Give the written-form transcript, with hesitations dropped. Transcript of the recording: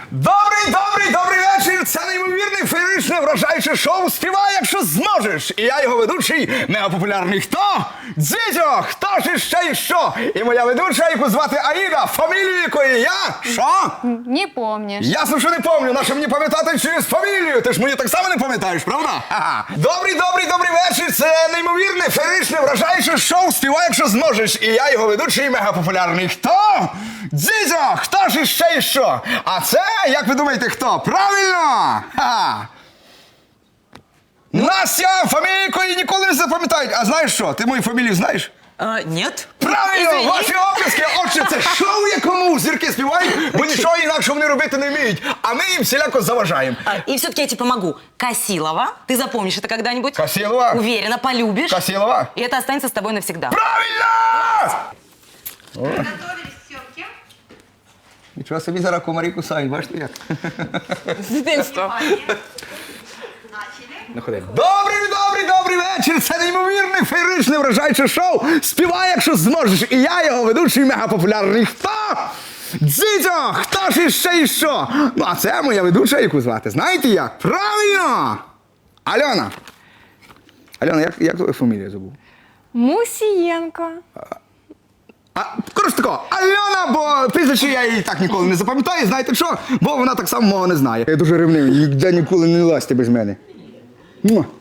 Добрий вечір! Це неймовірне, феєричне, вражаюче шоу «Співай, якщо зможеш». І я його ведучий, мегапопулярний хто? Дзідьо! Хто ж іще і що? І моя ведуча, яку звати Аїда, фамілію якої я? Що? Не помнишь. Ясно, що не помню. Нащо мені пам'ятати через фамілію? Ти ж мені так само не пам'ятаєш, правда? Ха-ха. Добрий вечір! Це неймовірне, феєричне, вражаюче шоу «Співай, якщо зможеш». І я його ведучий, мегапопулярний хто? Дзідьо! Хто ж іще і що? А це, як ви думаєте, хто? Правильно! Ха! Настя, фамілію якої ніколи не запам'ятають. А знаєш що? Ти мою фамілію знаєш? Нет. Правильно! Извини. Ваші оплески! Отже, це шоу, якому зірки співають, бо нічого інакше вони робити не вміють. А ми їм всіляко заважаємо. И все-таки я тебе помогу. Косилова. Ты запомнишь это когда-нибудь? Косилова? Уверена, полюбишь. Косилова? И это останется с тобой навсегда. Правильно! Готовились к съемке? Нічого собі зараз комарі кусають, бачите як? С детства. Начали. Добрий вечір! Це неймовірне, феєричне, вражаюче шоу «Співай, якщо зможеш». І я його ведучий мегапопулярний хто? Дзідьо! Хто ж іще і що? Ну, а це моя ведуча, яку звати. Знаєте як? Правильно! Альона! Альона, як твою фамілію забув? Мусиенко. Коротше тако, Альона, бо прізвище я її так ніколи не запам'ятаю, знаєте що? Бо вона так само мого не знає. Я дуже ревнивий, ніде ніколи не лазьте без мене.